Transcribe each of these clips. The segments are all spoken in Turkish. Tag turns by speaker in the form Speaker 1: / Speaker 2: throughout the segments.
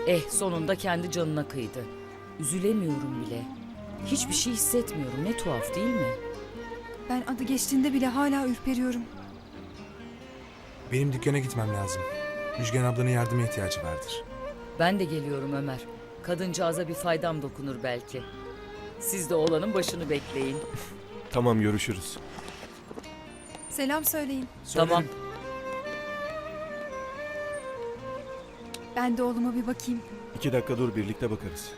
Speaker 1: Sonunda kendi canına kıydı. Üzülemiyorum bile. Hiçbir şey hissetmiyorum. Ne tuhaf değil mi?
Speaker 2: Ben adı geçtiğinde bile hala ürperiyorum.
Speaker 3: Benim dükkana gitmem lazım. Müjgan ablanın yardıma ihtiyacı vardır.
Speaker 1: Ben de geliyorum Ömer. Kadıncağıza bir faydam dokunur belki. Siz de oğlanın başını bekleyin.
Speaker 4: Tamam, görüşürüz.
Speaker 2: Selam söyleyin.
Speaker 1: Tamam.
Speaker 2: Ben de oğluma bir bakayım.
Speaker 4: 2 dakika dur, birlikte bakarız.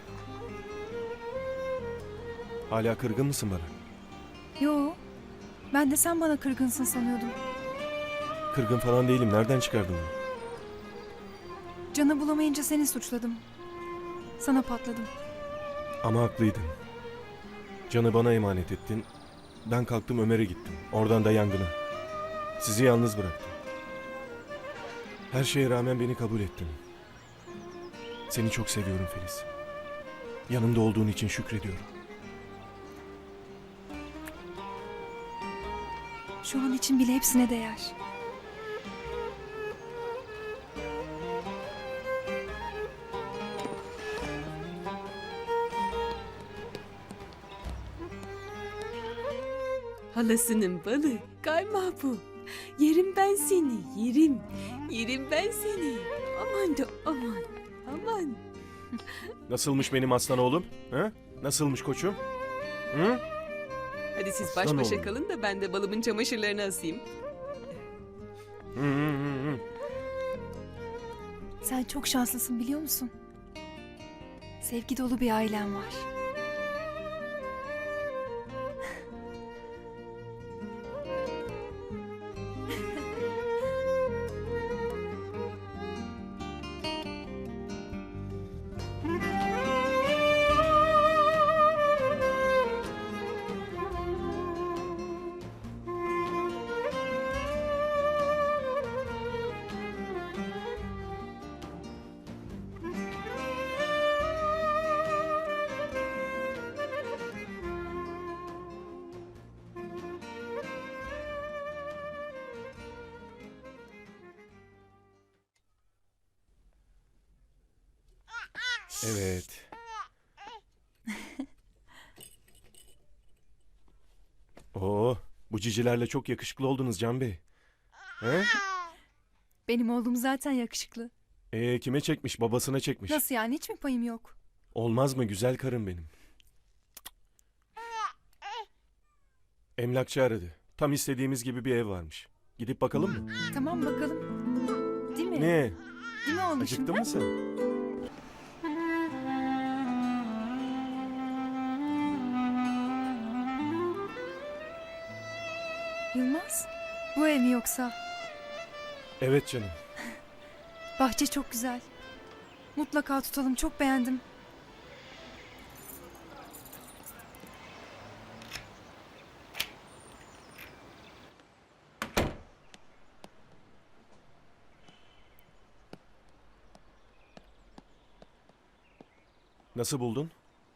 Speaker 4: Hala kırgın mısın bana?
Speaker 2: Yo, ben de sen bana kırgınsın sanıyordum.
Speaker 4: Kırgın falan değilim. Nereden çıkardın bunu?
Speaker 2: Canı bulamayınca seni suçladım. Sana patladım.
Speaker 4: Ama haklıydın. Canı bana emanet ettin. Ben kalktım Ömer'e gittim. Oradan da yangına. Sizi yalnız bıraktım. Her şeye rağmen beni kabul ettin. Seni çok seviyorum Filiz. Yanımda olduğun için şükrediyorum.
Speaker 2: Şu an için bile hepsine değer.
Speaker 5: Halasının balı, kaymağı bu. Yerim ben seni, yerim. Yerim ben seni. Aman da aman, aman.
Speaker 4: Nasılmış benim aslan oğlum? Ha? Nasılmış koçum? Hı?
Speaker 5: Hadi siz
Speaker 4: Aslan
Speaker 5: baş başa
Speaker 4: oğlum.
Speaker 5: kalın da ben de balımın çamaşırlarını asayım.
Speaker 4: Hı hı hı hı.
Speaker 2: Sen çok şanslısın biliyor musun? Sevgi dolu bir ailen var.
Speaker 4: Evet. Oo, bu cicilerle çok yakışıklı oldunuz Can Bey. He?
Speaker 2: Benim oğlum zaten yakışıklı.
Speaker 4: Kime çekmiş? Babasına çekmiş.
Speaker 2: Nasıl yani, hiç mi payım yok?
Speaker 4: Olmaz mı güzel karım benim? Emlakçı aradı. Tam istediğimiz gibi bir ev varmış. Gidip bakalım mı?
Speaker 2: Tamam bakalım. Değil mi?
Speaker 4: Ne?
Speaker 2: Değil mi oğlum
Speaker 4: Acıktın
Speaker 2: şimdi?
Speaker 4: mı sen?
Speaker 2: Yılmaz, bu ev mi yoksa?
Speaker 4: Evet canım.
Speaker 2: Bahçe çok güzel. Mutlaka tutalım, çok beğendim.
Speaker 4: Nasıl buldun?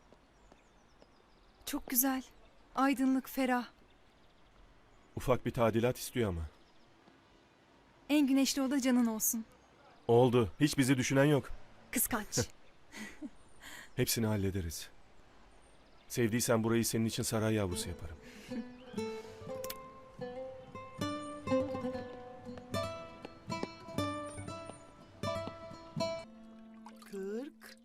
Speaker 2: Çok güzel. Aydınlık, ferah.
Speaker 4: Ufak bir tadilat istiyor ama.
Speaker 2: En güneşli oda canın olsun.
Speaker 4: Oldu. Hiç bizi düşünen yok.
Speaker 2: Kıskanç.
Speaker 4: Hepsini hallederiz. Sevdiysen burayı senin için saray yavrusu yaparım.
Speaker 6: Kırk.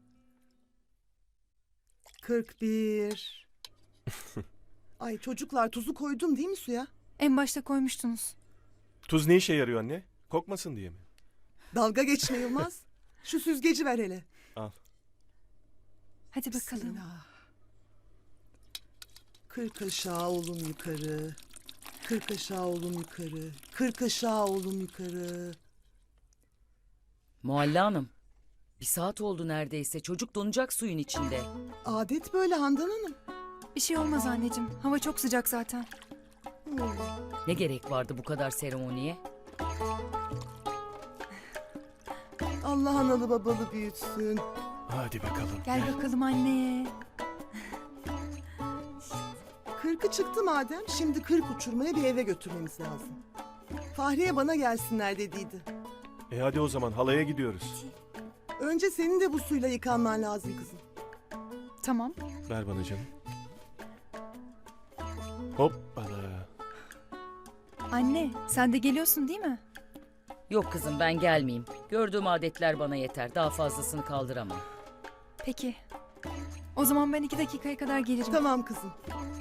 Speaker 6: 41. Ay çocuklar, tuzu koydum değil mi suya?
Speaker 2: En başta koymuştunuz.
Speaker 4: Tuz ne işe yarıyor anne? Kokmasın diye mi?
Speaker 6: Dalga geçme Yılmaz. Şu süzgeci ver hele.
Speaker 4: Al.
Speaker 2: Hadi bakalım.
Speaker 6: Bismillah. 40 aşağı oğlum yukarı. 40 aşağı oğlum yukarı. 40 aşağı oğlum yukarı.
Speaker 1: Mualla Hanım. 1 saat oldu neredeyse. Çocuk donacak suyun içinde.
Speaker 6: Adet böyle Handan Hanım.
Speaker 2: Bir şey olmaz anneciğim. Hava çok sıcak zaten.
Speaker 1: Ne gerek vardı bu kadar seremoniye?
Speaker 6: Allah analı babalı büyütsün.
Speaker 4: Hadi bakalım.
Speaker 2: Gel bakalım anneye.
Speaker 6: 40'ı çıktı madem, şimdi 40 uçurmaya bir eve götürmemiz lazım. Fahriye bana gelsinler dediydi.
Speaker 4: Hadi o zaman halaya gidiyoruz.
Speaker 6: Önce senin de bu suyla yıkanman lazım kızım.
Speaker 2: Tamam.
Speaker 4: Ver bana canım. Hoppala.
Speaker 2: Anne sen de geliyorsun değil mi?
Speaker 1: Yok kızım ben gelmeyeyim. Gördüğüm adetler bana yeter. Daha fazlasını kaldıramam.
Speaker 2: Peki. O zaman ben 2 dakikaya kadar gelirim.
Speaker 6: Tamam kızım.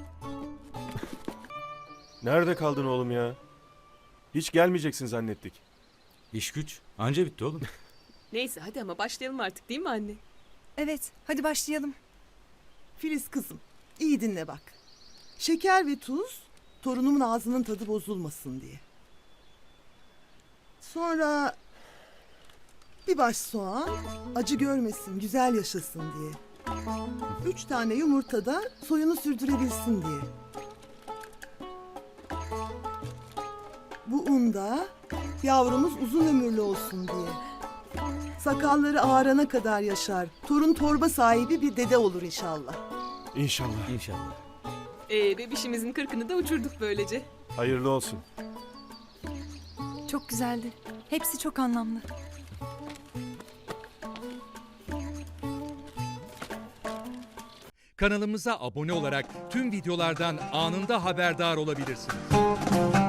Speaker 4: Nerede kaldın oğlum ya? Hiç gelmeyeceksin zannettik.
Speaker 7: İş güç. Anca bitti oğlum.
Speaker 5: Neyse hadi ama başlayalım artık değil mi anne?
Speaker 2: Evet hadi başlayalım.
Speaker 6: Filiz kızım, iyi dinle bak. Şeker ve tuz, torunumun ağzının tadı bozulmasın diye. Sonra bir baş soğan, acı görmesin, güzel yaşasın diye. 3 tane yumurta da soyunu sürdürebilsin diye. Bu un da yavrumuz uzun ömürlü olsun diye. Sakalları ağarana kadar yaşar. Torun torba sahibi bir dede olur inşallah.
Speaker 4: İnşallah.
Speaker 7: İnşallah.
Speaker 5: Bebişimizin 40'ını da uçurduk böylece.
Speaker 4: Hayırlı olsun.
Speaker 2: Çok güzeldi. Hepsi çok anlamlı.
Speaker 8: Kanalımıza abone olarak tüm videolardan anında haberdar olabilirsiniz.